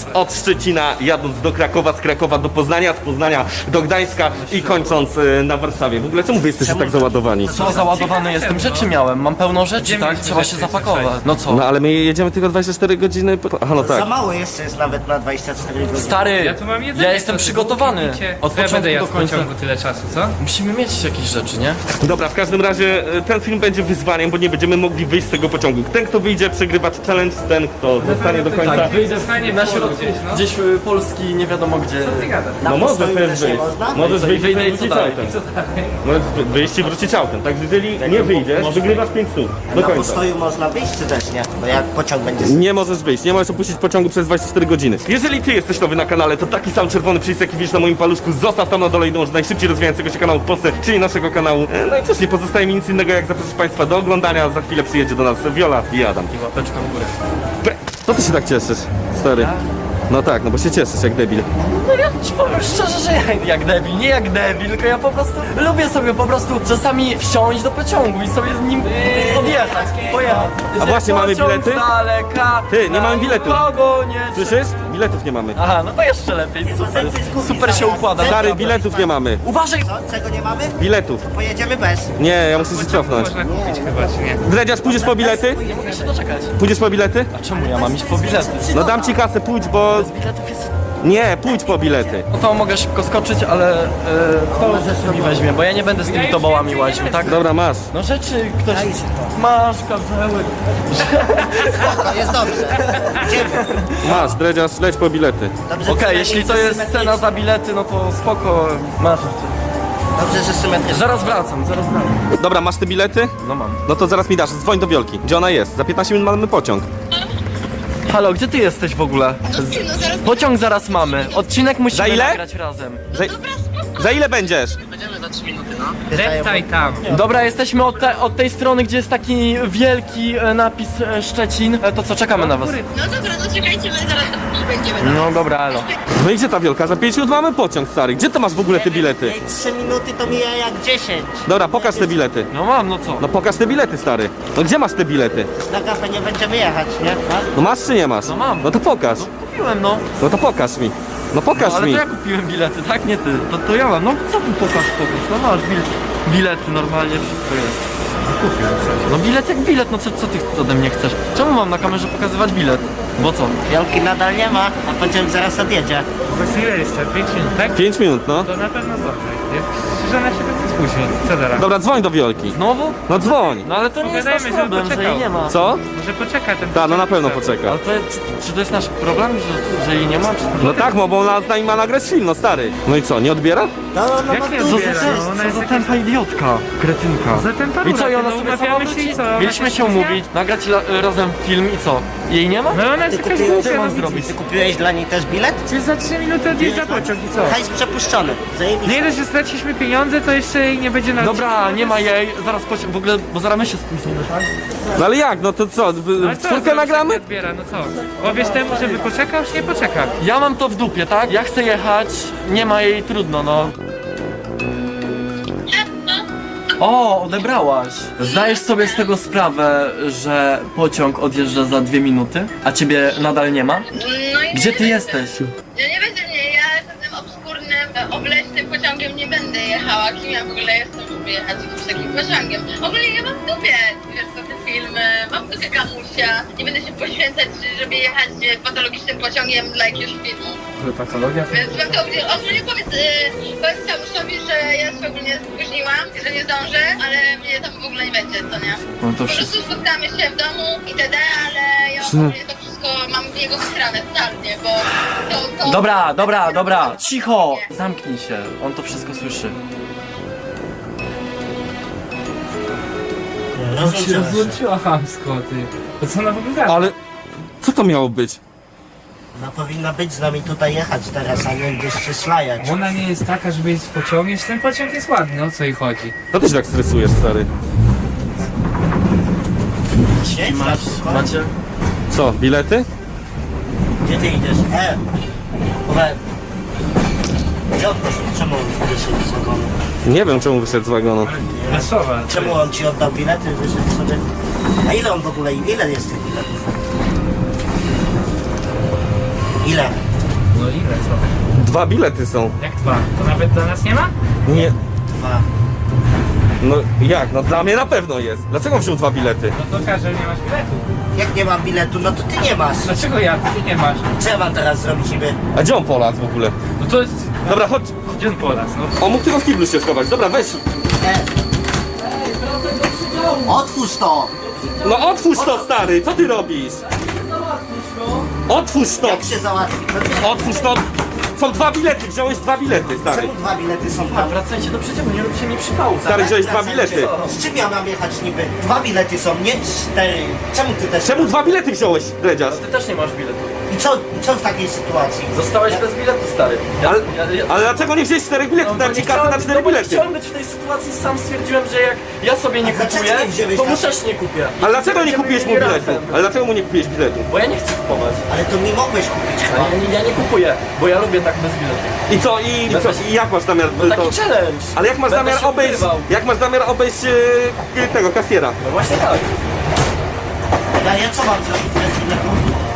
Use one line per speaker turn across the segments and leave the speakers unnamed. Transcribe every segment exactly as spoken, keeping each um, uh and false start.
od Szczecina, jadąc do Krakowa, z Krakowa do Poznania, z Poznania do Gdańska i kończąc y, na Warszawie. W ogóle czemu wy jesteście tak załadowani?
Co załadowany jestem? Rzeczy miałem, mam pełno rzeczy, tak? Trzeba się zapakować. No co?
No ale my jedziemy tylko dwadzieścia cztery godziny po... Aha, no
Za
tak.
mało jeszcze jest nawet na dwadzieścia cztery godziny.
Stary,
Ja tu mam jedzenie,
ja jestem
co ty
przygotowany.
kupicie?
Od
Co ja będę
początku
jadł
do
w
końca.
pociągu tyle czasu, co?
Musimy mieć jakieś rzeczy, nie?
Dobra, w każdym razie y, ten film będzie wyzwaniem, bo nie będziemy mogli wyjść z tego pociągu. Ten, kto wyjdzie, przegrywa challenge, ten, kto zostanie do końca.
Tak, wyjdę
Zostanie
na
w polu
środku,
gdzieś, no.
gdzieś y, Polski, nie wiadomo gdzie.
Ty gadasz.
Na
No możesz
postoju
też
też nie
wyjść.
można?
Możesz
i
wyjść i
wyjdę i co
wrócić
dalej?
autem. Możesz wyjść i wrócić autem. Także jeżeli nie wyjdziesz, wygrywasz pięć stów. Do
Na
końca.
postoju można wyjść czy też nie? Bo jak pociąg będzie...
Nie możesz wyjść, nie możesz opuścić pociągu przez dwadzieścia cztery godziny. Jeżeli ty jesteś nowy na kanale, to taki sam czerwony przycisk, jaki widzisz na moim paluszku, zostaw tam na dole i dąż do najszybciej rozwijającego się kanału w Polsce, czyli naszego kanału. E, No i cóż, nie pozostaje mi nic innego, jak zaprosić Państwa do oglądania. Za chwilę przyjedzie do nas Viola i Adam.
I łapeczka w górę.
Pe- Co ty się tak cieszysz, stary? No tak, no bo się cieszysz jak debil.
No ja ci powiem szczerze, że ja jak debil, nie jak debil, tylko ja po prostu lubię sobie po prostu czasami wsiąść do pociągu i sobie z nim odjechać, pojechać.
A właśnie, mamy
Pociąg
bilety?
z daleka,
Ty, nie mamy biletów.
nikogo nie...
Słyszysz? Biletów nie mamy.
Aha, no to jeszcze lepiej, super, super się układa.
Stary, biletów nie mamy.
Uważaj!
Co? Czego nie mamy?
Biletów.
Pojedziemy bez.
Nie, ja muszę się cofnąć.
Można kupić chyba, czy nie?
Dredziarz, pójdziesz po bilety?
Nie mogę się doczekać.
Pójdziesz po bilety?
A czemu ja mam iść po bilety?
No dam ci kasę, pójdź, bo...
Z biletów jest...
Nie, pójdź po bilety.
No to mogę szybko skoczyć, ale e, kto rzeczy mi weźmie, bo ja nie będę z tymi tobołami łaził, tak?
Dobra, masz.
No rzeczy ktoś... Masz karzełek.
To jest dobrze. Idziemy.
Masz, Dredziarz, leć po bilety.
Dobrze,
Okej, jeśli to jest cena za bilety, no to spoko, masz.
Dobrze, że symetrycznie.
Zaraz wracam, zaraz wracam.
Dobra, masz te bilety?
No mam.
No to zaraz mi dasz, dzwoń do Wiolki. Gdzie ona jest? Za piętnaście minut mamy pociąg.
Halo, gdzie ty jesteś w ogóle?
No zaraz
Pociąg zaraz mamy. Odcinek musimy
Za ile?
nagrać razem.
Za, za ile będziesz?
Deptaj tam.
Dobra, jesteśmy od, te, od tej strony, gdzie jest taki wielki e, napis e, Szczecin. E, to co, czekamy na was?
No dobra, no czekajcie, my zaraz tu będziemy.
No dobra, elo.
No i gdzie ta Wiolka? Za pięć minut mamy pociąg, stary. Gdzie to masz w ogóle te bilety?
Ej, trzy minuty to mija jak dziesięć.
Dobra, pokaż te bilety.
No mam, no co?
No pokaż te bilety, stary. No gdzie masz te bilety?
Na kawę nie będziemy jechać, nie?
No masz czy nie masz?
No mam.
No to pokaż.
Kupiłem, no.
No to pokaż mi. No pokaż
No, ale
mi.
to ja kupiłem bilety, tak? Nie ty. To, to ja mam. No co tu pokaż, pokaż. No masz bil bilety, normalnie wszystko jest. Kupiłem coś. No bilet jak bilet, no co, co ty ode mnie chcesz? Czemu mam na kamerze pokazywać bilet? Bo co?
Wielki nadal nie ma, a pociąg zaraz odjedzie.
Właśnie ile jeszcze? pięć minut, tak?
Pięć minut, no.
To na pewno zdąży. Że ona się będzie spóźni. Co zaraz?
Dobra, dzwoń do Wiolki.
Znowu?
No dzwoń.
No ale to nie jest nasz
Pogadajmy, żeby
problem, że jej
poczekał.
nie ma.
Co?
Może poczeka ten
Ta, no na
pociąg
pewno
cały.
poczeka.
Ale to, czy, czy to jest nasz problem, że, że jej nie ma? Czy...
No tak, bo ona z nami ma nagrać film, no stary. No i co, nie odbiera?
No, no,
Jak nie
no,
Co
tu
za,
odbiera?
jest.
No, ona
co
jest
za
jakaś-
tempa idiotka, kretynka.
Za ten
I co, i ona
no,
sobie sama
umawiamy się
wróci?
i co? Ona
Mieliśmy się
spóźnia?
umówić, nagrać la, razem film i co? Jej nie ma?
No ona jest
Ty
jakaś
kupiłeś-
głupia,
Co mam
no
zrobić?
widzisz.
Ty kupiłeś dla niej też bilet?
Czy za trzy minuty odjeżdża pociąg i co?
Hajs przepuszczony. Zajebiście.
Nie dość, że straciliśmy pieniądze, to jeszcze jej nie będzie na
Dobra, nie ma jej, zaraz pociąg, w ogóle, bo zaraz my się spóźnimy, tak?
No ale jak, no to co,
No ale co,
czwórkę
zaraz
nagramy?
nie odbiera, no co? Powiesz temu, żeby poczekał, czy nie poczeka?
Ja mam to w dupie, tak? Ja chcę jechać, nie ma jej, trudno, no. O, odebrałaś. Zdajesz sobie z tego sprawę, że pociąg odjeżdża za dwie minuty, a ciebie nadal nie ma?
No i
Gdzie ty jesteś?
Ja nie będzie mnie, ja tym obskurnym, e, obleśnym pociągiem nie będę jechała. Kim ja w ogóle jestem, żeby jechać jakimś takim pociągiem? Ogólnie ja mam w dupie, wiesz co, te filmy, mam w dupie kamusia. Nie będę się poświęcać, żeby jechać e, patologicznym pociągiem dla jakiegoś filmu.
Patologia?
Więc mam to ogólnie, ogólnie powiedz, yy, powiedz kamuszowi, że ja się ogólnie spóźniłam, że nie zdążę, ale mnie tam w ogóle nie będzie, co nie?
No to
Po
wszystko.
prostu spotkamy się w domu itd., ale ja ogólnie to wszystko mam w jego stronę totalnie, bo to... to
Dobra, dobra, dobra, cicho! Zamknij się, on to wszystko słyszy.
Rozłączyłaś się.
Rozłączyła chamsko, ty. To co ona w ogóle gada?
Ale co to miało być?
No powinna być z nami tutaj jechać teraz, a nie gdzieś się szlajać.
Ona nie jest taka, żeby jeździć pociągiem, że ten pociąg jest ładny, o co jej chodzi?
Co ty się tak stresujesz, stary?
Siedź,
Masz,
spoko.
macie?
Co, bilety?
Gdzie ty idziesz? E! Uwe. Gdzie on poszedł? Czemu on wyszedł z wagonu?
Nie wiem, czemu wyszedł z wagonu.
Wesoła.
Czemu on ci oddał bilety? Wyszedł sobie... A ile on w ogóle, ile jest tych biletów? Ile?
No ile, co?
Dwa bilety są.
Jak dwa? To nawet dla nas nie ma?
Nie.
Dwa.
No jak? No dla mnie na pewno jest. Dlaczego wziął dwa bilety?
No to każe, nie masz biletu.
Jak nie mam biletu, no to ty nie masz.
Dlaczego ja? Ty nie masz.
Co ja mam teraz zrobić niby?
A gdzie on Polac w ogóle?
No to jest...
Dobra, chodź.
Gdzie on po nas? No
On mógł tylko w kiblu się schować. Dobra, weź.
E. Otwórz to!
No otwórz to, stary. Co ty robisz? Otwórz to.
Jak się załatwi? No,
Otwórz to. Są dwa bilety. Wziąłeś dwa bilety, stary.
czemu dwa bilety są
A
tam?
wracajcie do przedziału, nie róbcie mi przypału.
Stary, wziąłeś dwa
Wracajcie.
bilety.
Z czym ja mam jechać niby? Dwa bilety są, nie cztery. Czemu ty też?
Czemu dwa bilety wziąłeś, Dredziarz?
Ty też nie masz biletu.
I co, i co w takiej sytuacji?
Zostałeś bez biletu, stary. Ja,
Ale,
ja, ja,
ale dlaczego nie wziąłeś czterech biletów?
bo
Dałem
nie
ci kasę
chciałem-
na cztery
no bo nie
bilety.
chciałem być w tej sytuacji, sam stwierdziłem, że jak ja sobie nie
A dlaczego
kupuję,
nie wziąłeś
to mu
kasy?
też nie kupię.
Ale dlaczego nie
Będziemy
kupiłeś mu
mieli
biletu?
razem.
Ale dlaczego mu nie kupiłeś biletu?
Bo ja nie chcę kupować.
Ale to mi mogłeś kupić
A
chyba.
ja, nie- ja nie kupuję, bo ja lubię tak bez biletu.
I co? I, i, co? I jak masz zamiar
No taki
to...
challenge.
Ale jak masz
Będę
zamiar
się
obejść...
ukrywał.
Jak masz zamiar obejść e, tego kasiera?
No właśnie tak.
Ja, ja co mam zrobić bez biletu?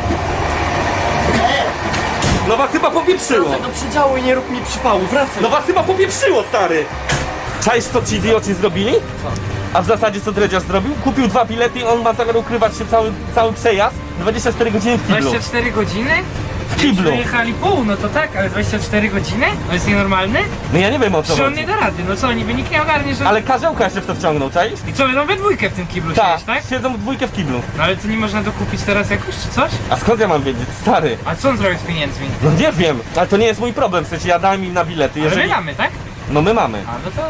E,
No was chyba popieprzyło.
Wracaj do przedziału i nie rób mi przypału, wracaj.
No was chyba popieprzyło, stary. Czaisz, co ci idioci zrobili? A w zasadzie co Dredziarz zrobił? Kupił dwa bilety i on ma zamiar ukrywać się cały, cały przejazd dwadzieścia cztery godziny w kiblu.
dwadzieścia cztery godziny?
W kiblu.
Przejechali pół, no to tak, ale dwadzieścia cztery godziny? No jest nienormalny?
No ja nie wiem o co
Czy on
chodzi.
nie da rady? No co, niby nikt nie ogarnie, że...
Ale Karzełka jeszcze w to wciągnął, czaisz?
I co, będą we dwójkę w tym kiblu
Tak,
siedzieć, tak?
siedzą w dwójkę w kiblu.
No ale to nie można dokupić teraz jakoś, czy coś?
A skąd ja mam wiedzieć, stary?
A co on zrobił z pieniędzmi?
No nie wiem, ale to nie jest mój problem, w sensie ja dałem im na bilety,
Ale my
jeżeli...
mamy, tak?
No my mamy.
A, no to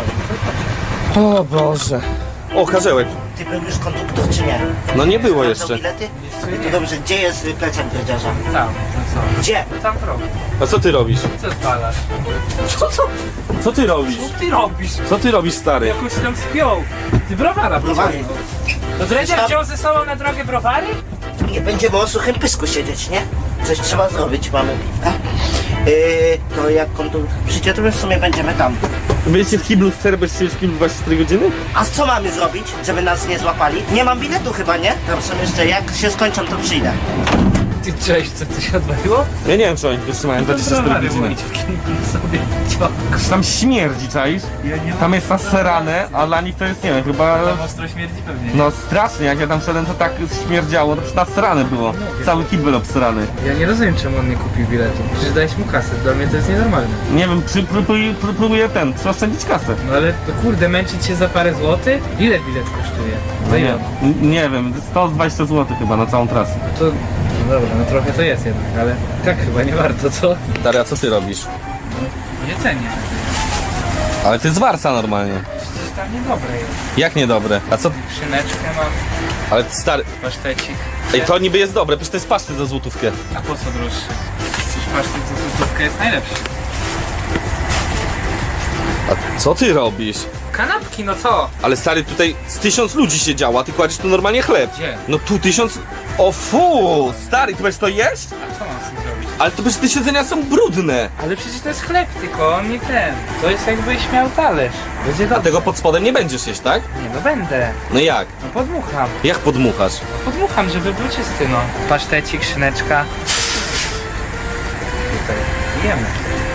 co?
O Boże. O, Karzełek.
ty był już konduktor czy nie?
No nie było
Sprawdzał
jeszcze.
bilety? No to dobrze, gdzie jest y, plecak dredziarza?
Tam, no co?
Gdzie?
Tam w rogu.
A co ty robisz?
Co spalasz?
Co, co? Co ty robisz?
Co ty robisz?
Co ty robisz, stary?
Jakoś tam spiął. Ty browara
Browary.
pociągnął. To Dredziarz
Tam-
wziął ze sobą na drogę browary?
Nie będziemy o suchym pysku siedzieć, nie? Coś trzeba zrobić, mamy piwka. Yy, to jak konduktor przyjdzie, to my w sumie będziemy tam.
Byliście w kiblu, chcesz być w kiblu dwadzieścia cztery godziny?
A co mamy zrobić, żeby nas nie złapali? Nie mam biletu chyba, nie? Tam są jeszcze, jak się skończą, to przyjdę.
Ty cześć, co tu się odwaliło?
Ja nie wiem, czy oni wytrzymają dwadzieścia cztery
browary
godziny.
mówić w kiblu sobie ciąg.
Tam śmierdzi, czaisz?
Ja nie
Tam jest naserane, a dla nich to jest, nie wiem, chyba...
Tam ostro śmierdzi pewnie.
No strasznie, jak ja tam szedłem, to tak śmierdziało, to przecież nasrane było. Cały kibel obsrany.
Ja nie rozumiem, czemu on nie kupił biletu. Przecież dałeś mu kasę, dla mnie to jest nienormalne.
Nie wiem, przy, próbuję, próbuję ten, przeoszczędzić kasę.
No ale to kurde, męczyć się za parę złotych? Ile bilet kosztuje? Za ile?
N- nie wiem, sto dwadzieścia złotych chyba na całą trasę.
To, no dobra, no trochę to jest jednak, ale tak chyba nie warto, co?
Stary, a co ty robisz?
Nie cenię.
Ale ty z Warsa normalnie.
Przecież tam niedobre jest.
Jak niedobre? A co?
Szyneczkę mam,
Ale stary...
pasztecik.
Ej, to niby jest dobre, przecież to jest paszty za złotówkę.
A po co droższy? Przecież pasztet za złotówkę jest najlepszy.
A co ty robisz?
Kanapki, no co?
Ale stary, tutaj z tysiąc ludzi się działa, ty kładziesz tu normalnie chleb.
Gdzie?
No tu tysiąc... O fu! Stary, ty będziesz to jeść?
A co mam z tym zrobić?
Ale to przecież te siedzenia są brudne.
Ale przecież to jest chleb tylko, on nie ten. To jest jakbyś miał talerz. Będzie
A
dobrze.
tego pod spodem nie będziesz jeść, tak?
Nie, no będę.
No jak?
No podmucham.
Jak podmuchasz?
No podmucham, żeby był czysty, no. Pasztecik, szyneczka. Tutaj jemy.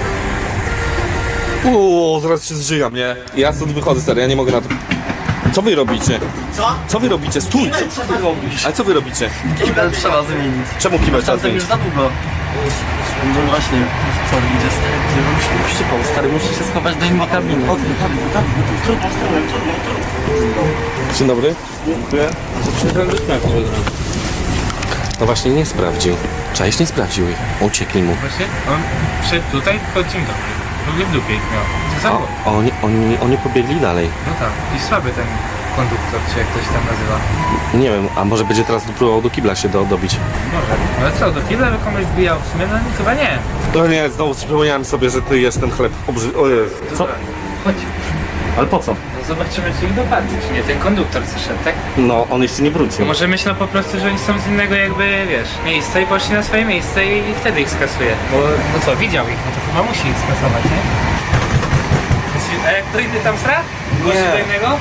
Uuu, zaraz się zżygam, nie? Ja stąd wychodzę, stary, ja nie mogę na to... Co wy robicie?
Co?
Co wy robicie? Stój!
Co ty robisz?
Ale co wy robicie?
Kibel trzeba zmienić.
Czemu kibel trzeba
Tamten już
zmienić?
za długo. No właśnie, co idzie stary, gdzie on się przypał, stary, muszę się schować do innej kabiny.
Trudno, trudno, trudno, trudno.
Dzień dobry. Dziękuję. No właśnie nie sprawdził. Cześć, nie sprawdził ich. Uciekli mu.
Właśnie on wszedł tutaj, to dzień dobry. W ogóle w dupie ich miał. Co za
O,
głos?
oni, oni, oni pobiegli dalej.
No tak. I słaby ten konduktor, czy jak ktoś tam nazywa.
Nie wiem, a może będzie teraz próbował do kibla się do, dobić.
Może. Ale co, do kibla by komuś wbijał w sumie? No nie, chyba nie.
No nie, znowu przypomniałem sobie, że ty jest ten chleb obrzy... O Jezu. Co?
Chodź.
Ale po co?
No zobaczymy, czy ich dopadnie, czy nie. Ten konduktor co szedł, tak?
No, on jeszcze nie
To
wrócił.
może myślał po prostu, że oni są z innego jakby, wiesz, miejsca i poszli na swoje miejsce i, i wtedy ich skasuje. Bo, no co, widział ich, no to chyba musi ich skasować, nie? A jak to inny tam sra? Głosi do innego?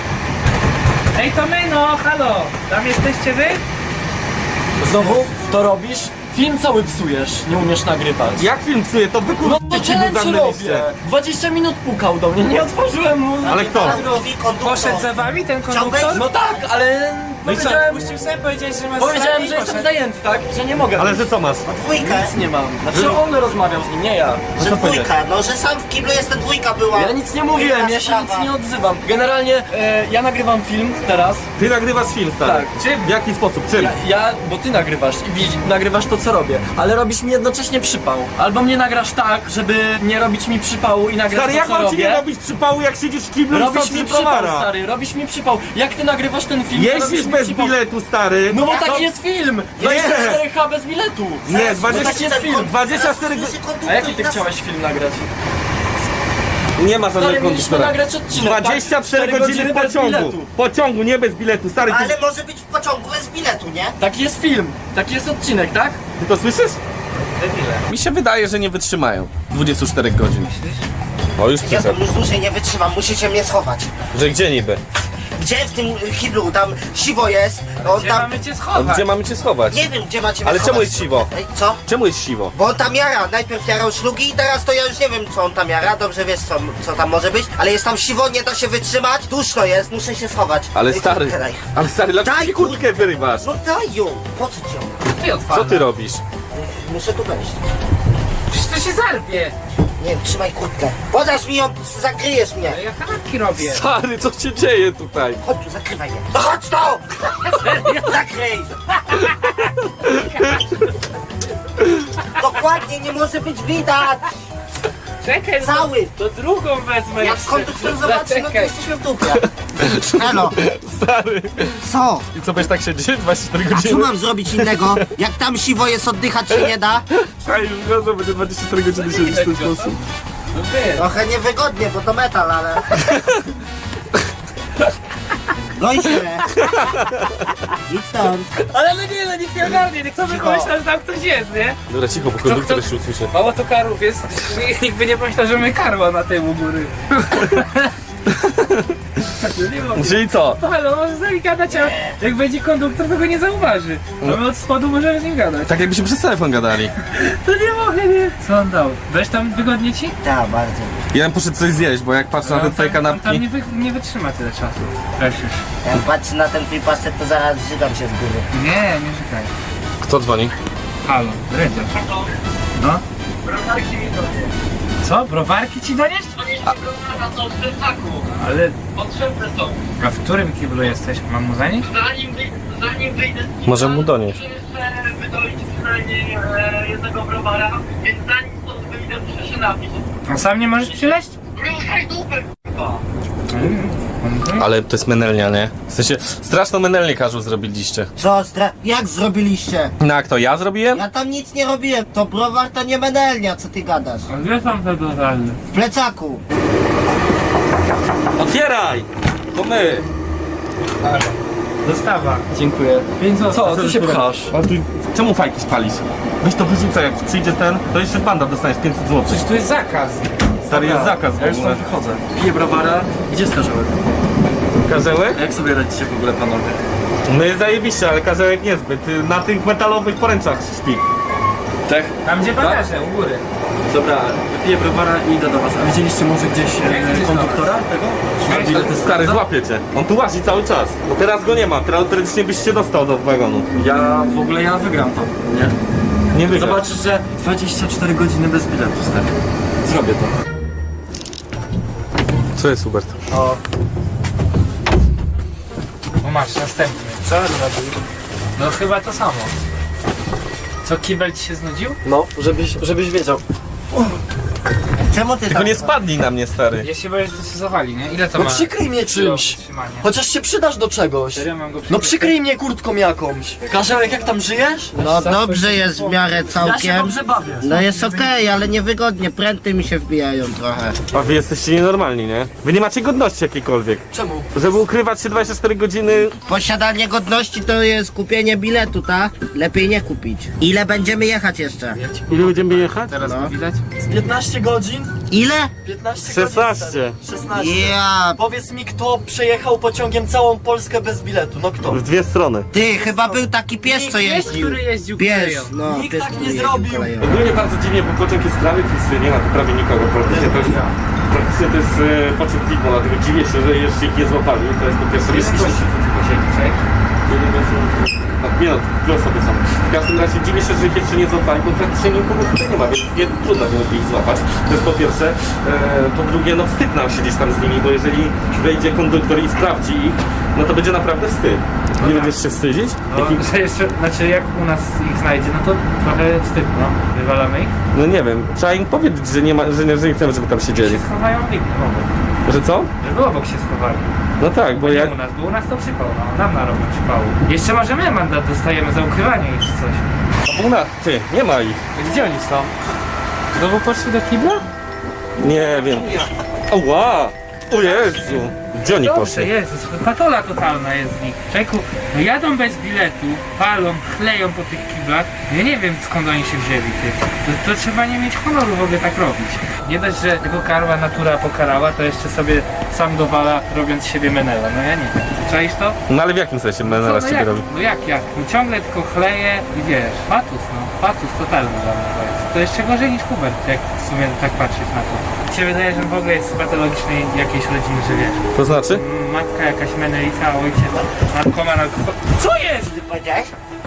Ej, to my, no, halo! Tam jesteście wy?
Znowu to robisz? Film cały psujesz, nie umiesz nagrywać.
Jak film psuje, to wy
No to
kurczę
challenge robię.
zamknęliście.
dwadzieścia minut pukał do mnie, nie otworzyłem mu.
Ale kto?
Drzwi, konduktor.
Poszedł za wami ten konduktor?
Chciałbyś?
No tak, ale
No i co,
powiedziałem,
puścił sobie, powiedziałeś, że masz
powiedziałem,
strach i
że jestem
poszedł.
zajęty, tak? Że nie mogę.
Ale że co masz?
Dwójkę.
Nic nie mam. Znaczy on rozmawiał z nim, nie ja.
Że dwójka, no że sam w kiblu jest, ta dwójka była.
Ja nic nie mówiłem,
Inna
ja się
sprawa.
nic nie odzywam. Generalnie e, ja nagrywam film teraz.
Ty nagrywasz film, stary.
Tak.
Czym?
W jaki sposób? Czym?
Ja, ja, bo ty nagrywasz i widz, nagrywasz to co robię, ale robisz mi jednocześnie przypał. Albo mnie nagrasz tak, żeby nie robić mi przypału i nagrać
Stary,
to
jak
co
mam ci
robię.
nie robić przypału, jak siedzisz w kiblu i
Robisz
sądzisz
mi przypał,
browara?
stary, robisz mi przypał. Jak ty nagrywasz ten film, to robisz
Jeździsz
mi
bez
przypał.
biletu, stary.
No bo
Co?
taki jest film! dwadzieścia cztery H bez biletu!
Nie,
Zaraz
dwadzieścia
usłyszy
jest
ten
film,
konduktor,
dwadzieścia cztery
zaraz usłyszy konduktor
A jaki
i
ty
nas-
chciałeś film nagrać?
Nie ma
Stary,
żadnego
mieliśmy
konduktora.
nagrać odcinek,
dwadzieścia
tak?
cztery
cztery
godziny
godziny bez
pociągu.
biletu.
Pociągu, nie bez biletu, stary. Ty,
Ale może być w pociągu bez biletu, nie?
Taki jest film, taki jest odcinek, tak?
ty to słyszysz?
Debile.
Mi się wydaje, że nie wytrzymają dwudziestu czterech godzin. O, już
Ja
przyszedł.
już dłużej nie wytrzymam, musicie mnie schować.
Że gdzie niby?
Gdzie w tym kiblu? Tam siwo jest. On
Gdzie
tam...
mamy cię
A
schować?
gdzie mamy cię schować?
Nie wiem, gdzie macie mnie
Ale
schować.
czemu jest siwo?
Ej, co?
Czemu jest siwo?
Bo on tam jara, najpierw jarał szlugi i teraz to ja już nie wiem co on tam jara, dobrze wiesz co, co tam może być, ale jest tam siwo, nie da się wytrzymać, duszno jest, muszę się schować.
Ale
Ej,
stary,
kurtkę daj.
ale stary, dlaczego
Daj,
mi kurtkę wyrywasz?
No daj ją, po co ci ją?
Ty odpalę.
Co ty robisz?
Muszę tu wejść.
Przecież to się zarwie.
Nie wiem, trzymaj kurtkę. Podasz mi ją, zakryjesz mnie.
Ale ja kanapki robię.
Stary, co się dzieje tutaj?
Chodź tu, zakrywaj mnie. No chodź tu! Zakryj! Dokładnie, nie może być widać!
Czekaj,
Cały!
to drugą wezmę
Jak
jeszcze.
konduktor zobaczy, no to
Zaczekaj.
jesteśmy w dupie. Elo,
Stary.
co?
I co, będziesz tak siedzieć dwadzieścia cztery
A co
godziny?
mam zrobić innego? Jak tam siwo jest, oddychać się nie da?
A już wiadomo, będzie dwadzieścia cztery godziny siedzieć w ten sposób.
No wiesz.
Trochę niewygodnie, bo to metal, ale... No i się. Idź stąd.
Ale no nie, no nikt nie ogarnie, nikt sobie pomyślał, że tam ktoś jest, nie?
Dobra, cicho, bo
kto-
konduktor jeszcze usłyszy.
Mało to karów jest, nikt by nie pomyślał, że my karła na tym u góry. No nie mogę.
Czyli co?
No halo, może z nami gadać, a jak będzie konduktor, to go nie zauważy. A my od spodu możemy z nim gadać.
Tak jakbyśmy przez telefon gadali.
To nie mogę, nie. Co on dał? Weź tam wygodnie ci?
Tak, bardzo.
Ja bym poszedł coś zjeść, bo jak patrzę na te
On
twoje
tam, on tam
kanapki...
nie, wy, nie wytrzyma tyle czasu. Weź już.
Jak patrzę na ten twój pasek, to zaraz żygam się z góry.
Nie, nie czekaj.
Kto dzwoni?
Halo, Dredziarz. No? Co? Browarki ci donieść? Ale...
Potrzebne są.
A w którym kiblu jesteś? Mam mu zanieść?
Zanim, wy, zanim wyjdę z kibla,
Może mu donieść.
muszę jeszcze wydolić przynajmniej e, jednego browara, więc zanim stąd wyjdę, muszę się napić.
A sam nie możesz przyleść?
Ruszaj dupę, k***a!
Ale to jest menelnia, nie? W sensie, straszną menelnię każą zrobiliście.
Co, stra... jak zrobiliście?
No jak to, ja zrobiłem?
Ja tam nic nie robiłem. To browar to nie menelnia, co ty gadasz?
A gdzie tam te browary?
W plecaku.
Otwieraj! To my!
Dostawa.
Dziękuję.
pięć złotych.
Co, ty się pchasz?
A ty, czemu fajki spalisz? Weź to wyrzucaj, jak przyjdzie ten, to jeszcze banda dostaniesz pięćset złotych.
Przecież tu jest zakaz.
Stary, jest zakaz w
Ja już
ogóle.
stąd wychodzę. Piję browara. Gdzie skarżyłem?
Karzełek?
A jak sobie radzicie w ogóle, panowie?
No jest zajebiście, ale karzełek niezbyt. Y, Na tych metalowych poręczach śpi.
Tak?
Tam gdzie bagaże, u góry.
Dobra, wypiję browara i idę do was. A widzieliście może gdzieś
Jak
e,
gdzieś
konduktora tego?
Weź
Ile to jest
Stary,
za-
złapie cię. On tu łazi cały czas. Bo teraz go nie ma, teraz teoretycznie byś się dostał do wagonu.
Ja w ogóle ja wygram to, nie?
Nie wygra.
Zobaczysz, że dwadzieścia cztery godziny bez biletu, stary. Zrobię to.
Co jest, Hubert?
O,
O masz, następny. Co robił? No chyba to samo. Co, kibel ci się znudził?
No, żebyś, żebyś wiedział.
czemu ty
Tylko
tam...
nie spadnij na mnie, stary.
Ja się boję, że to się zawali, nie? Ile to
No
ma?
przykryj mnie czymś.
Trzymanie.
Chociaż się przydasz do czegoś.
Serio mam go
No przykryj mnie kurtką jakąś. Karzełek, jak tam żyjesz?
No dobrze jest w miarę
Ja się
całkiem.
dobrze bawię.
No jest okej, ale niewygodnie, pręty mi się wbijają trochę.
A wy jesteście nienormalni, nie? Wy nie macie godności jakiejkolwiek.
Czemu?
Żeby ukrywać się dwadzieścia cztery godziny...
Posiadanie godności to jest kupienie biletu, tak? Lepiej nie kupić. Ile będziemy jechać jeszcze?
Ile będziemy jechać?
Teraz
No.
go widać?
Z piętnaście godzin godzin?
Ile?
piętnaście
szesnaście.
godzin. stary. szesnaście.
Ja...
Powiedz mi, kto przejechał pociągiem całą Polskę bez biletu? No kto?
W dwie strony.
Ty, chyba był taki pies, co
Pies,
jeździł.
który jeździł
Pies,
koleją.
no,
Nikt
pies,
tak
który
nie
jeździł
zrobił.
koleją.
Ogólnie bardzo dziwnie, bo pociąg jest prawie pusty, nie ma tu prawie nikogo praktycznie. To jest, praktycznie to jest e, pociąg widmo, dlatego dziwię się, że jeszcze ich nie złapali. To jest po pierwsze
Jest
myśl.
gości, co tylko siedzi, czek.
Nie no, dwie osoby są. W każdym razie dziwię się, że ich jeszcze nie złapali, bo praktycznie nikogo tutaj nie ma, więc nie, trudno byłoby ich złapać. To jest po pierwsze. E, po drugie, no wstyd nam siedzieć tam z nimi, bo jeżeli wejdzie konduktor i sprawdzi ich, no to będzie naprawdę wstyd. Nie będziesz się wstydzić?
No,
Jaki-
że jeszcze, znaczy jak u nas ich znajdzie, no to trochę wstyd, no. Wywalamy ich.
No nie wiem, trzeba im powiedzieć, że nie, ma, że nie, że nie chcemy, żeby tam siedzieli.
Się schowają w innym obok.
Że co?
Żeby obok się schowali.
No tak, bo
Bo
jak...
nie u nas, bo u nas to przypał, no. Nam narobią przypału. Jeszcze może my mandat dostajemy za ukrywanie ich czy coś.
Una, ty, nie ma ich.
Gdzie oni są? Znowu poszli do kibla?
Nie wiem. Ała! O Jezu! Gdzie oni
Dobrze,
poszli?
Jezus, patola totalna jest z nich. Człowieku, no jadą bez biletu, palą, chleją po tych kiblach. Ja nie wiem skąd oni się wzięli, ty. To, to trzeba nie mieć honoru w ogóle tak robić. Nie dość, że tego karła natura pokarała, to jeszcze sobie sam dowala, robiąc z siebie menela. No ja nie wiem. Czaisz to?
No ale w jakim sensie menela
no,
z ciebie
jak,
robi?
no jak, jak? No ciągle tylko chleje i wiesz, patus, no. Patus totalny dla mnie to jest. To jeszcze gorzej niż Hubert, jak w sumie tak patrzeć na to. Mi się wydaje, że w ogóle jest z patologicznej jakiejś rodziny, że wiesz.
To znaczy?
Matka jakaś menelica, a ojciec narkoman, alkohol... Co jest?
Ty powiedziałeś?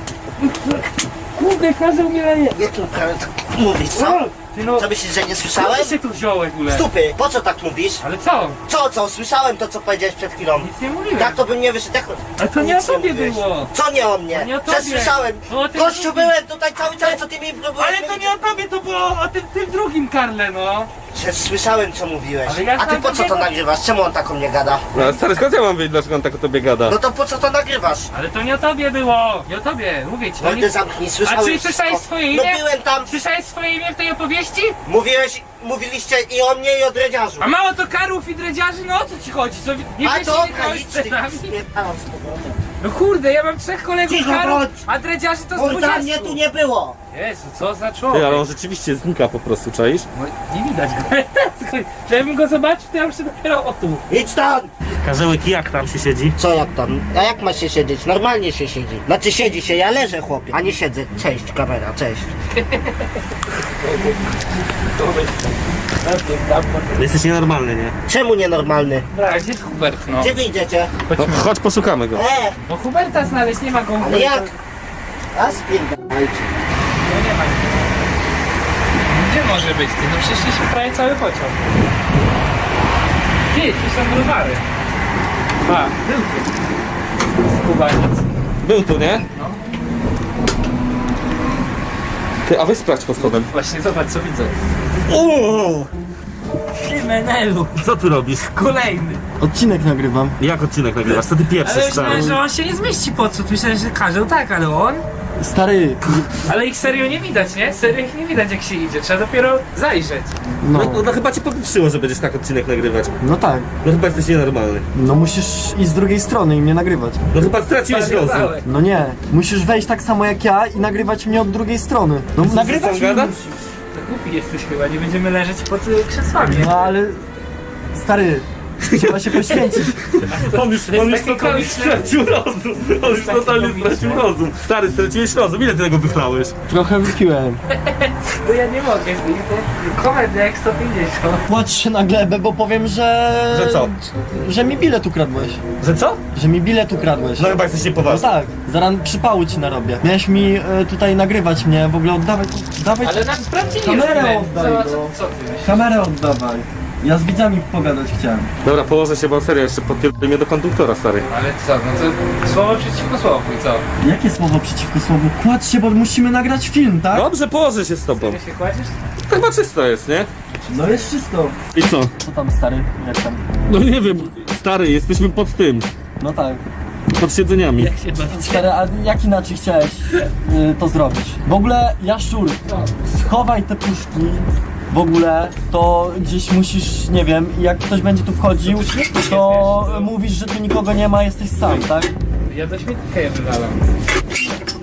Kurde, każdy umieraje.
Nie tu tak mówisz, co?
Ty no,
Co myślisz, że nie
co
słyszałem?
ty się tu wziąłeś w ogóle?
Stupy, po co tak mówisz?
Ale co?
Co, co? Słyszałem to, co powiedziałeś przed chwilą.
Nic nie mówiłem.
Tak to bym nie wyszedł. Jak...
Ale to nie
Nic
o tobie
mówiłeś.
było.
Co nie o mnie?
To nie o tobie.
Przesłyszałem.
No, o tym
Gościu,
drugim.
byłem tutaj cały czas, co ty mi próbujesz
Ale to
mówić.
nie o tobie, to było o tym, tym drugim Karle, no.
Przecież słyszałem, co mówiłeś.
Ale ja
A ty
znam
po co to
takiego-
nagrywasz? Czemu on tak o mnie gada?
No ale stary, skąd ja mam wiedzieć, dlaczego on tak o tobie gada?
No to po co to nagrywasz?
Ale to nie o tobie było. Nie o tobie, mówię ci. To
Mordę
nie...
zamknij,
A
słyszałem
czy
wszystko.
słyszałeś swoje
No
imię?
byłem tam.
Słyszałeś swoje imię w tej opowieści?
Mówiłeś, mówiliście i o mnie, i o dredziarzu.
A mało to karłów i dredziarzy, no o co ci chodzi? Co, nie
A
wiesz,
to
nie grałeś
idź,
przed
ty
nami?
spierdalam z powrotem.
No kurde, ja mam trzech kolegów
Cicho
karłów,
bądź.
a dredziarzy to z
Kurwa,
dwudziestu.
mnie tu nie było.
Jezu, co za
Ty,
człowiek?
ale on rzeczywiście znika po prostu, czaisz?
No, nie widać go. Żebym go zobaczył, to ja muszę dopiero o tu.
Idź stąd!
Karzełek, jak tam się siedzi?
Co jak tam? A jak ma się siedzieć? Normalnie się siedzi. Znaczy siedzi się, ja leżę chłopie, a nie siedzę. Cześć kamera, cześć.
Jesteś nienormalny, nie?
Czemu nienormalny?
A gdzie jest Hubert, no?
Gdzie wyjdziecie?
No, chodź poszukamy go.
E,
Bo Huberta znaleźć, nie ma go.
ale jak? A spierdalajcie.
No nie ma. Gdzie może być ty? No przeszliśmy prawie cały pociąg. Ty, tu są browary. A, był tu. Skubaniec.
Był tu, nie?
No.
Ty, a wy sprawdź pod spodem.
Właśnie, zobacz co widzę.
O!
Ty, Menelu.
Co tu robisz?
Kolejny.
Odcinek nagrywam.
Jak odcinek nagrywasz? Co ty
Ale
pieprzysz,
myślałem,
stary?
że on się nie zmieści pod cud. Myślałem, że karzeł tak, ale on?
Stary,
Ale ich serio nie widać, nie? Serio ich nie widać jak się idzie. Trzeba dopiero zajrzeć.
No,
no,
no, no chyba cię popieprzyło, że będziesz tak odcinek nagrywać.
no tak.
No chyba jesteś nienormalny.
No musisz iść z drugiej strony i mnie nagrywać.
No chyba straciłeś rozum.
Zwariowałeś.
No nie, musisz wejść tak samo jak ja i nagrywać mnie od drugiej strony. No nagrywać
co
mnie
gada?
musisz.
To głupi jesteś chyba, nie będziemy leżeć pod y, krzesłami.
No ale... Stary, trzeba się poświęcić.
On już, on już totalnie stracił rozum. On już totalnie stracił rozum. Stary, straciłeś rozum. Ile ty tego wychlałeś?
Trochę wypiłem.
To ja nie mogę, komend jak sto pięćdziesiąt.
Płacz się na glebę, bo powiem, że...
Że co?
Że mi bilet ukradłeś.
Że co?
Że mi bilet ukradłeś.
No chyba jesteś
No
niepoważny.
tak, zaraz przypału ci narobię. Miałeś mi e, tutaj nagrywać mnie, w ogóle oddawać... Dawaj
Ale nam sprawdzili
Kamerę
już
oddaj,
co,
no.
co, co ty myślisz?
kamerę oddawaj. Ja z widzami pogadać chciałem.
Dobra, położę się, bo serio, jeszcze podpierdolę mnie do konduktora, stary.
Ale co, no to słowo przeciwko słowu i co?
Jakie słowo przeciwko słowu? Kładź się, bo musimy nagrać film, tak?
Dobrze, położę się z tobą.
Ty się kładziesz?
To chyba czysto jest, nie?
No jest czysto.
I co?
Co tam stary? Jak tam?
No nie wiem, stary, jesteśmy pod tym.
No tak.
Pod siedzeniami.
Jak się bawicie?
Stary, a jak inaczej chciałeś y, to zrobić? W ogóle, Jaszczur, schowaj te puszki. W ogóle to gdzieś musisz, nie wiem, jak ktoś będzie tu wchodził, to mówisz, że tu nikogo nie ma, jesteś sam, tak?
Ja do śmietnika je wywalam.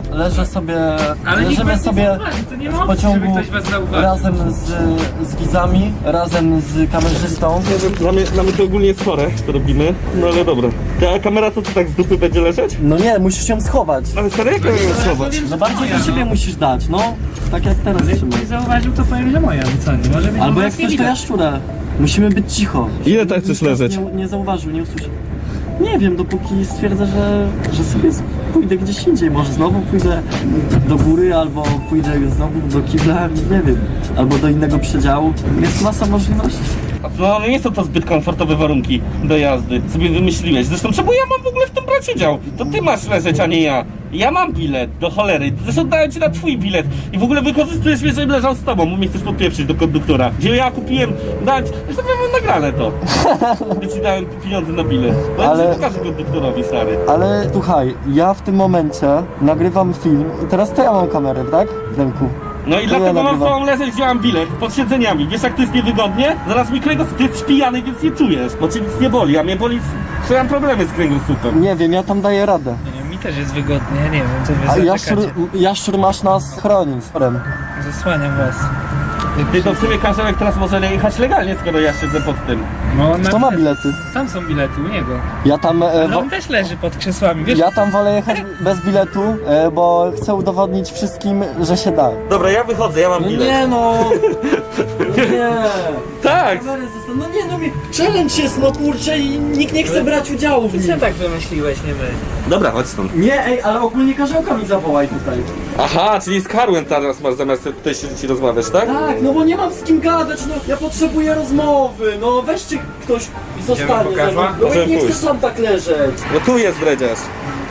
leżę sobie,
Ale nikt
leżymy
was nie
sobie
zauważy, to nie ma
w
opcji, żeby
pociągu
ktoś was zauważył.
razem z, z widzami, razem z kamerzystą.
Nie wiem, dla mnie, dla mnie to ogólnie jest chore, to robimy, no ale dobra. Ta kamera co, to tak z dupy będzie leżeć?
No nie, musisz ją schować.
Ale serio, jak ją schować?
No bardziej do siebie musisz dać, no. Tak jak teraz trzymaj.
Nie zauważył, to powiem, że moja, no co, nie może być.
Albo
u
jak
nas nie
chcesz, to
widać.
jaszczurę. Musimy być cicho.
Ile tak chcesz leżeć?
Nie, nie zauważył, nie usłyszał. Nie wiem, dopóki stwierdzę, że, że sobie pójdę gdzieś indziej. Może znowu pójdę do góry, albo pójdę znowu do kibla, nie wiem. Albo do innego przedziału. Jest masa możliwości.
No nie są to zbyt komfortowe warunki do jazdy. Sobie wymyśliłeś. Zresztą czemu ja mam w ogóle w tym brać udział? To ty masz leżeć, a nie ja. Ja mam bilet, do cholery. Zresztą dałem ci na twój bilet. I w ogóle wykorzystujesz mnie, żebym leżał z tobą, bo mnie chcesz podpieprzyć do konduktora. Gdzie ja kupiłem, dałem ci, zresztą ja mam nagrane to. Gdy ci dałem pieniądze na bilet. Bo ja
Ale-
ci pokażę konduktorowi, stary.
Ale słuchaj, ja w tym momencie nagrywam film i teraz to ja mam kamerę, tak? W ręku.
No i
To
dlatego
ja
mam z
nagrywam.
tobą leżeć, gdzie mam bilet, pod siedzeniami. Wiesz jak to jest niewygodnie? Zaraz mi kręgosłup, ty jesteś pijany, więc nie czujesz. Bo cię nic nie boli, a mnie boli, że mam problemy z kręgosłupem.
Nie wiem, ja tam daję radę.
Nie wiem, mi też jest wygodnie, ja nie wiem, co wy
A jaszczur,
zaczekacie.
jaszczur masz nas chronić.
Zasłaniam was.
Ty to w sumie Karzełek teraz może jechać legalnie, skoro ja siedzę pod tym.
No, na...
Kto ma bilety?
Tam są bilety u niego.
Ja tam, e,
Ale
wo-
on też leży pod krzesłami, wiesz?
ja tam wolę jechać bez biletu, e, bo chcę udowodnić wszystkim, że się da.
Dobra, ja wychodzę, ja mam
No
bilet.
nie no! No nie!
Tak!
Kamery zostaną- No nie no, mi- challenge jest no kurczę i nikt nie chce brać udziału w
Ty
nim.
tak wymyśliłeś, nie my.
Dobra, chodź stąd.
Nie, ej, ale ogólnie Karzełka mi zawołaj tutaj.
Aha, czyli z Karłem teraz masz zamiast tutaj siedzieć i rozmawiać, tak?
Tak, no bo nie mam z kim gadać, no ja potrzebuję rozmowy, no weźcie ktoś i zostanie ze mną.
Karła?
No
Możemy
jak nie chcę
pójść.
sam tak leżeć.
No tu jest dredziarz.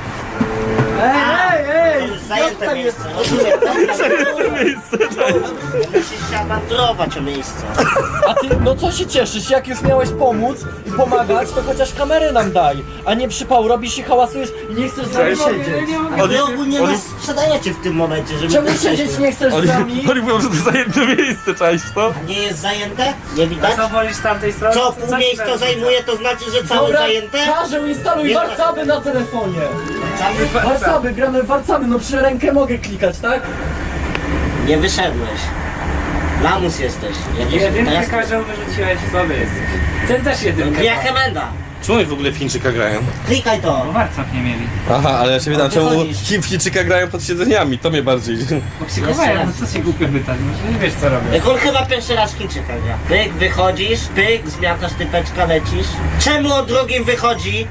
Ej, ej, ej!
To jest zajęte
Jak tak
miejsce,
jest?
rozumiem.
miejsce,
Musisz się awanturować o miejsce.
A ty, no co się cieszysz, jak już miałeś pomóc i pomagać, to chociaż kamerę nam daj, a nie przypał robisz i hałasujesz i nie chcesz z nami siedzieć.
A wy ogólnie
oni-
nas sprzedajecie w tym momencie, żeby
Czemu
tu
siedzieć
przeszły.
nie chcesz z
Oni,
nami?
oni mówią, że to zajęte miejsce, czaisz to?
Nie jest zajęte? Nie widać?
Co wolisz z tamtej strony?
Co
To
pół
ci
miejsca
będzie.
zajmuje, to znaczy, że całe
Dobra,
zajęte?
każę instaluj
Nie-
warcaby na telefonie.
Cały-
Warcaby, gramy w warcaby, no przy rękę mogę klikać, tak?
Nie wyszedłeś. Lamus jesteś. Ja też-
Jedynkę
teraz-
każą wyrzuciłeś, słaby jesteś. Ten też jedynkę.
Ja Hemenda.
Czemu oni w ogóle w Chińczyka grają?
Klikaj to.
Bo warców nie mieli.
Aha, ale ja się pytam,
ty
czemu
chodzisz.
Chi- w Chińczyka grają pod siedzeniami, to mnie bardziej...
Bo psychowają, no co się głupio pytać, może nie wiesz co robią.
Jak on chyba pierwszy raz Chińczyka gra. Pyk, wychodzisz, pyk, zmiatasz typeczka, lecisz. Czemu on drugim wychodzi?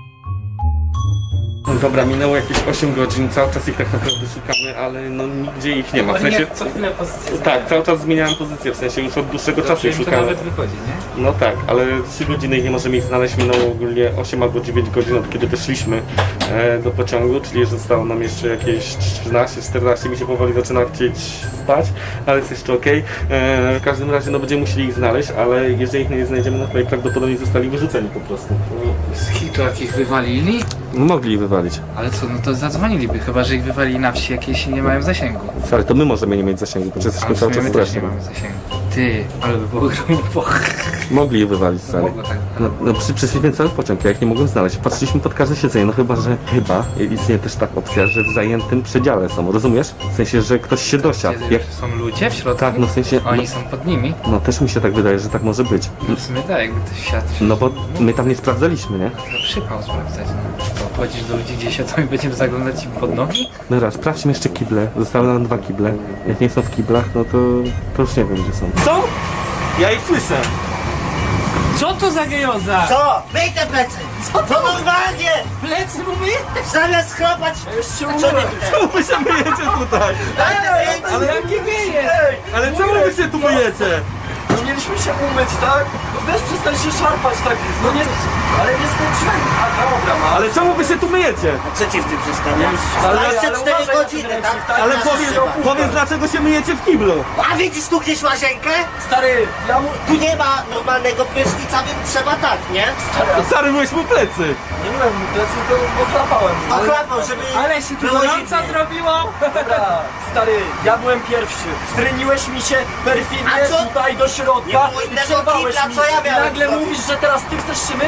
Dobra, minęło jakieś osiem godzin, cały czas ich tak naprawdę szukamy, ale no nigdzie ich nie ma, w
Oni
sensie...
jak co chwilę pozycję
Tak, cały czas zmieniałem pozycję, w sensie już od dłuższego czasu ich
im to
szukamy.
nawet wychodzi, nie?
No tak, ale trzy godziny ich nie możemy ich znaleźć, minęło ogólnie osiem albo dziewięć godzin od kiedy wyszliśmy e, do pociągu, czyli zostało nam jeszcze jakieś trzynaście czternaście, mi się powoli zaczyna chcieć spać, ale jest jeszcze okej. E, W każdym razie no będziemy musieli ich znaleźć, ale jeżeli ich nie znajdziemy, no to najprawdopodobniej zostali wyrzuceni po prostu.
Z hitu jakich wywalili?
No, mogli ich wywalić.
Ale co, no to zadzwoniliby, chyba że ich wywalili na wsi jakieś i nie mają zasięgu.
Ale to my możemy nie mieć zasięgu, bo
A
jesteśmy
w
cały
sumie
czas
my
w
też nie
stresie.
mamy zasięgu. Ty, ale by było grubo.
Mogli je wywalić, stary.
Mogło tak.
No, no przy, przyszliśmy cały pociąg, ja ich nie mogłem znaleźć. Patrzyliśmy pod każde siedzenie, no chyba, że chyba istnieje też taka opcja, że w zajętym przedziale są, rozumiesz? W sensie, że ktoś się dosiadł. Jak,
Są ludzie w środku?
tak, no w sensie,
Oni
no,
są pod nimi?
no też mi się tak wydaje, że tak może być.
No w sumie tak, jakby ktoś siadł.
No bo my tam nie sprawdzaliśmy, nie?
To przypał sprawdzać, no. To chodzisz do ludzi gdzieś, a to i będziemy zaglądać im pod nogi?
Dobra, sprawdźmy jeszcze kible. Zostały nam dwa kible. Jak nie są w kiblach, no to, to już nie wiem, gdzie są. Co? Ja ich słyszę.
Co to za gejoza?
Co? Myj te plecy! Co to normalnie?
Plecy mówię?
Zamiast chrapać...
Jeszcze
A co ty tutaj?
Czemu wy się myjecie tutaj?
Daj te ręce!
Ale jakie geje?
Ale czemu wy się tu myjecie?
No mieliśmy się umyć, tak? No weź przestań się szarpać, tak? No nie, ale nie skończyłem. A dobra, ma.
Ale czemu wy się tu myjecie?
A co ci w tym przeszkadza?
Ale-
dwadzieścia cztery
ale uważaj na
godziny,
ten
tak?
ręcznik, tak?
Ale
Nasz
powiedz,
trzeba.
powiedz dlaczego się myjecie w kiblu?
A widzisz tu gdzieś łazienkę?
Stary, ja mu...
Tu nie ma normalnego prysznica, więc trzeba tak, nie?
Stary, myłeś mu plecy.
Nie byłem mu plecy, to ochlapałem.
Ochlapał, żeby...
Ale się tu
było
gorąco
zimniej.
zrobiło?
Dobra, stary, ja byłem pierwszy. Wtryniłeś mi się perfidnie
A co?
tutaj do środka
Nie było
i
innego
przerwałeś
kibla,
mi.
co ja
I
miałem
nagle
zrobić?
mówisz, że teraz ty chcesz się myć?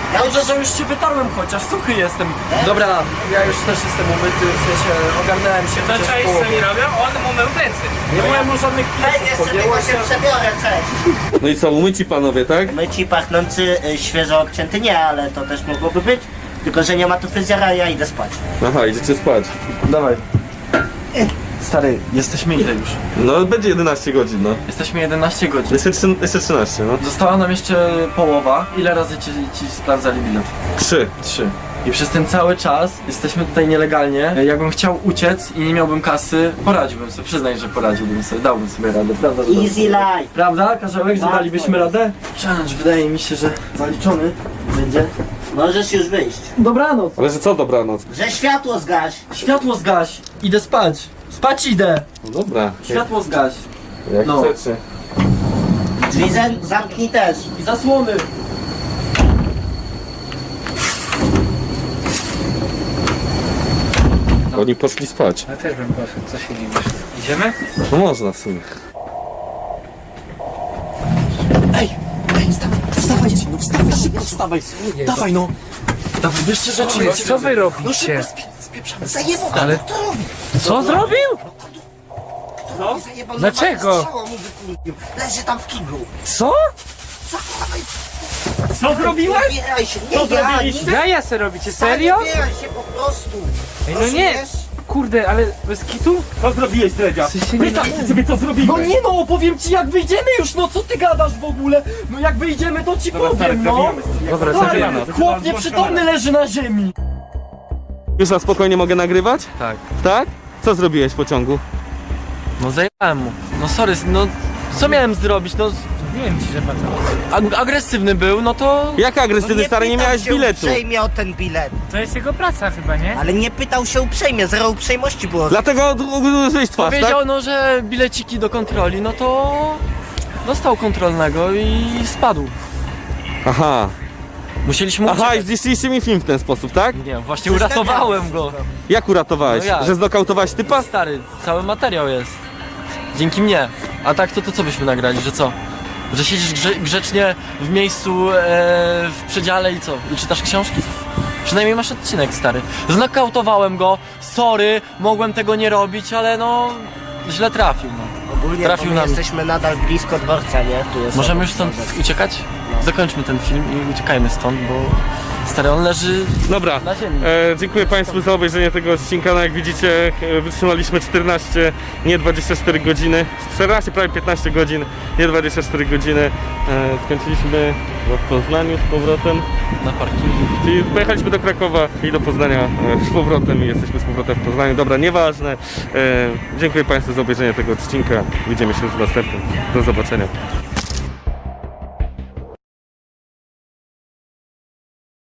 Ja
Dobrze, że już się wytarłem chociaż, suchy jestem. Dobra, ja już też jestem umyty, w sensie ogarnąłem się.
To
chociaż
cześć,
połowę.
co mi robią? On mu mył plecy.
Nie byłem mu żadnych
Hej,
piesów,
jeszcze
podjęło
tylko się
się.
przebiorę, cześć.
No i co, umyci panowie, tak?
Myci, pachnący, y, świeżo obcięty nie, ale to też mogłoby być. Tylko, że nie ma tu fryzjera, a ja idę spać.
Aha, idziecie spać.
Dawaj. Stary, jesteśmy ile już?
No będzie jedenaście godzin, no.
Jesteśmy jedenaście godzin.
Jeszcze, trzy- jeszcze trzynaście, no.
Została nam jeszcze połowa. Ile razy ci, ci sprawdzali bilet?
Trzy.
Trzy. I przez ten cały czas jesteśmy tutaj nielegalnie. Jakbym chciał uciec i nie miałbym kasy, poradziłbym sobie, przyznaj, że poradziłbym sobie, dałbym sobie radę, prawda? że
Easy
dałbym-
life.
Prawda, Karzełek, że
Tak,
dalibyśmy
tak.
radę? Challenge wydaje mi się, że zaliczony będzie.
Możesz już wyjść.
Dobranoc.
Ale że co dobranoc?
Że światło zgaś.
Światło zgaś. Idę spać. Spać idę.
No dobra.
Światło zgaś.
Jak
No.
chcecie.
Drzwi zem- zamknij też.
I zasłony.
Oni poszli spać.
Ja też bym poszedł, co się dziwisz. Idziemy?
No można w sumie.
Ej, ej, wstawaj, wstawaj, no wstawaj, szybko wstawaj. Dawaj no. Dawaj, bierzcie rzeczy.
Co, co wy
No
robicie?
szybko spie- spieprzamy.
Zajebał,
Ale-
to robi.
Co zrobił?
No? Zajebał,
Dlaczego?
zobacz, strzała mu wykurwił. Leży tam w kiblu.
Co?
Co zrobiłeś?
Nie bieraj się, nie ja, nie
Jaja se robicie, serio?
Nie bieraj się po prostu.
Ej, no nie.
Rozumiesz?
Kurde, ale bez kitu?
Co zrobiłeś, Dredzia?
W sensie nie-
Pytam się ciebie, co zrobiłeś?
No nie no, opowiem ci jak wyjdziemy już, no co ty gadasz w ogóle? No jak wyjdziemy to ci powiem, no.
Dobra,
Stary,
zabijamy.
chłop nieprzytomny leży na ziemi.
Już na spokojnie mogę nagrywać?
Tak.
Tak? Co zrobiłeś w pociągu?
No zajebałem mu. No sorry, no co miałem zrobić, no
Wiem ci, że pan
ag agresywny był, no to...
Jak agresywny, stary, nie
pytał
miałeś
się
biletu.
uprzejmie o ten bilet.
To jest jego praca chyba, nie?
Ale nie pytał się uprzejmie, zero uprzejmości było.
Dlatego uderzyłeś twarz, tak?
Powiedział no, że bileciki do kontroli, no to... Dostał kontrolnego i spadł.
Aha.
Musieliśmy
Aha, i
uciekać.
zniszczyliście mi film w ten sposób, tak?
Nie, właśnie uratowałem go.
Jak uratowałeś?
No jak?
Że znokautowałeś typa?
Stary, cały materiał jest. Dzięki mnie. A tak to, to co byśmy nagrali, że co? Że siedzisz grze grzecznie w miejscu, e, w przedziale i co? I czytasz książki? Przynajmniej masz odcinek, stary. Znokautowałem go, sorry, mogłem tego nie robić, ale no... Źle trafił, no.
Ogólnie
trafił
trafił
na mnie.
jesteśmy nadal blisko dworca, nie? Tu jest
Możemy
obok
już stąd
dworzec.
uciekać? Zakończmy ten film i uciekajmy stąd, bo... Stary, on leży
Dobra,
na ziemi.
e, dziękuję Państwu za obejrzenie tego odcinka. No jak widzicie, e, wytrzymaliśmy czternaście, nie dwadzieścia cztery godziny. czternaście, prawie piętnaście godzin, nie dwadzieścia cztery godziny. E, skończyliśmy w Poznaniu z powrotem.
Na parkingu.
Czyli pojechaliśmy do Krakowa i do Poznania e, z powrotem i jesteśmy z powrotem w Poznaniu. Dobra, nieważne. E, dziękuję Państwu za obejrzenie tego odcinka. Widzimy się już w następnym. Do zobaczenia.